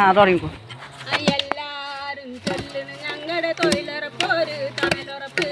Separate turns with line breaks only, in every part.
തുടങ്ങിക്കോ.
എല്ലാരും ചൊല്ലണ് ഞങ്ങളുടെ തൊഴിലുറപ്പൊരു തണലുറപ്പ്.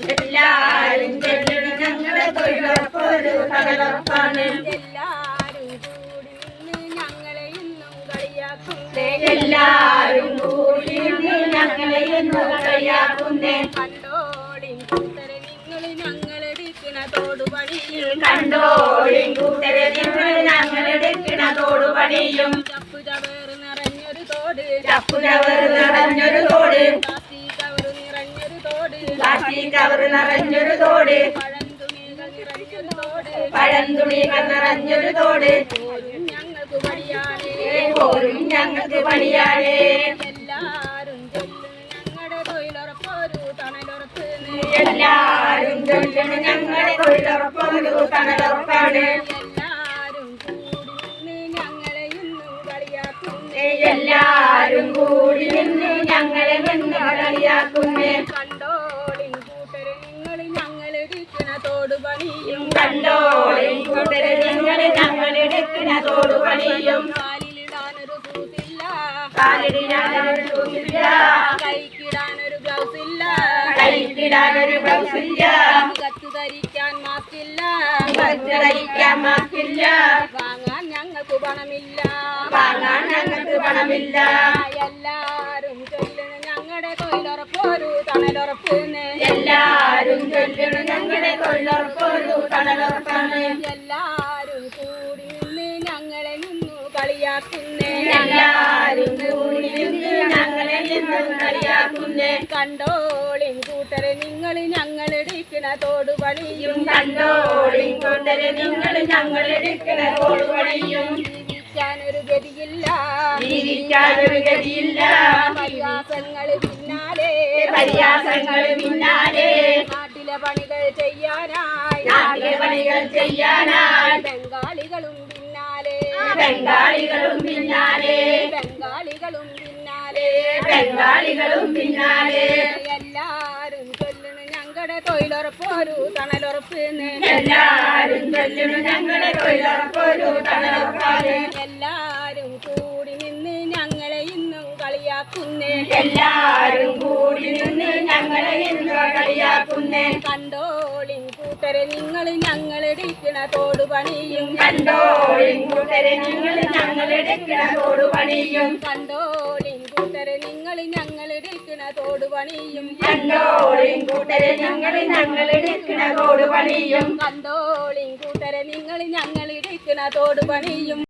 എല്ലാരും ചൊല്ലണ് ഞങ്ങളുടെ തൊഴിലുറപ്പൊരു തണലുറപ്പാണ്.
എല്ലാരും കൂടി നിന്ന് ഞങ്ങളെ ഇന്നും കളിയാക്കുന്നേ.
എല്ലാരും കൂടി നിന്ന് ഞങ്ങളെ ഇന്നും കളിയാക്കുന്നേ.
കണ്ടോളിൻ കൂട്ടരെ നിങ്ങൾ ഞങ്ങളെടുക്കണ തോടുപണിയും.
കണ്ടോളിൻ കൂട്ടരെ നിങ്ങൾ ഞങ്ങളെടുക്കണ തോടുപണിയും.
ചപ്പു ചവറ് നിറഞ്ഞൊരു തോട്.
ചപ്പു ചവറ് നിറഞ്ഞൊരു തോട്.
പ്ലാസ്റ്റിക് കവറ് നിറഞ്ഞൊരു തോട്.
പ്ലാസ്റ്റിക് കവറ് നിറഞ്ഞൊരു തോട്.
പഴംതുണികൾ നിറഞ്ഞൊരു തോട്.
പഴംതുണികൾ നിറഞ്ഞൊരു തോട്.
പോരും ഞങ്ങൾക്ക് പണിയാനേ.
പോരും ഞങ്ങൾക്ക് പണിയാനേ.
എല്ലാരും ചൊല്ലണ് ഞങ്ങളുടെ തൊഴിലുറപ്പൊരു തണലുറപ്പ്.
എല്ലാരും ചൊല്ലണ് ഞങ്ങളുടെ തൊഴിലുറപ്പൊരു തണലുറപ്പാണ്.
എല്ലാരും കൂടി നിന്ന് ഞങ്ങളെ ഇന്നും കളിയാക്കുന്നേ.
എല്ലാരും കൂടി നിന്ന് ഞങ്ങളെ നിന്ന് കളിയാക്കുന്നേ.
കണ്ടോളിൻ കൂട്ടരെ നിങ്ങൾ ഞങ്ങളെടുക്കണ തോടുപണിയും.
കണ്ടോളിൻ കൂട്ടരെ നിങ്ങൾ ഞങ്ങളെടുക്കണ തോടുപണിയും.
കാലിലിടാനൊരു ഷൂസില്ല.
കാലിടാനൊരു ഷൂസില്ല.
കൈക്കിടാനൊരു ഗ്ലൗസ് ഇല്ല.
കൈക്കിടാനൊരു ബ്ലൗസില്ല.
മുഖത്ത് ധരിക്കാൻ മാസ്കില്ല.
ധരിക്കാൻ മാസ്കില്ല.
വാങ്ങാൻ ഞങ്ങൾക്ക് പണമില്ല.
വാങ്ങാൻ ഞങ്ങൾക്ക് പണമില്ല.
എല്ലാരും ചൊല്ലണ് ഞങ്ങളുടെ തൊഴിലുറപ്പൊരു തണലുറപ്പ്.
എല്ലാരും ചൊല്ലണ് ഞങ്ങളുടെ തൊഴിലുറപ്പൊരു തണലുറപ്പാണ്.
എല്ലാരും കൂടി നിന്ന് ഞങ്ങളെ നിന്നു കളിയാക്കുന്നേ.
എല്ലാരും കൂടി നിന്ന് ഞങ്ങളെ നിന്ന് കളിയാക്കുന്നേ.
കണ്ടോളിൻ കൂട്ടരെ നിങ്ങൾ ഞങ്ങളെടുക്കണ തോടുപണിയും.
കണ്ടോളിൻ കൂട്ടരെ നിങ്ങൾ ഞങ്ങളെടുക്കണ തോടുപണിയും.
ജീവിക്കാനൊരു ഗതിയില്ല.
ജീവിക്കാനൊരു ഗതിയില്ല.
പരിഹാസങ്ങൾ പിന്നാലെ.
പരിഹാസങ്ങൾ പിന്നാലെ.
നാട്ടിലെ പണികൾ ചെയ്യാനായി.
നാട്ടിലെ പണികൾ ചെയ്യാനായി.
ബംഗാളികളും പിന്നാലെ.
ബംഗാളികളും പിന്നാലെ.
ബംഗാളികളും പിന്നാലെ.
ബംഗാളികളും പിന്നാലെ.
എല്ലാരും ചൊല്ലണ് ഞങ്ങളുടെ തൊഴിലുറപ്പൊരു തണലുറപ്പ്.
എല്ലാരും ചൊല്ലണ് ഞങ്ങളുടെ തൊഴിലുറപ്പൊരു തണലുറപ്പാണ്.
എല്ലാരും കൂടി നിന്ന് ഞങ്ങളെ ഇന്നും കളിയാക്കുന്നേ.
എല്ലാരും കൂടി നിന്ന് ഞങ്ങളെ ഇന്ന് കളിയാക്കുന്നേ.
കണ്ടോളിൻ കൂട്ടരെ നിങ്ങൾ ഞങ്ങളെടുക്കണ തോടുപണിയും.
കണ്ടോളിൻ കൂട്ടരെ നിങ്ങൾ ഞങ്ങളെടുക്കണ തോടുപണിയും.
കണ്ടോളിൻ കൂട്ടരെ നിങ്ങൾ ഞങ്ങളെടുക്കണ തോടുപണിയും.
കണ്ടോളിൻ കൂട്ടരെ ഞങ്ങൾ ഞങ്ങളെടുക്കണ തോടുപണിയും.
കണ്ടോളിൻ കൂട്ടരെ നിങ്ങൾ ഞങ്ങളെടുക്കണ തോടുപണിയും.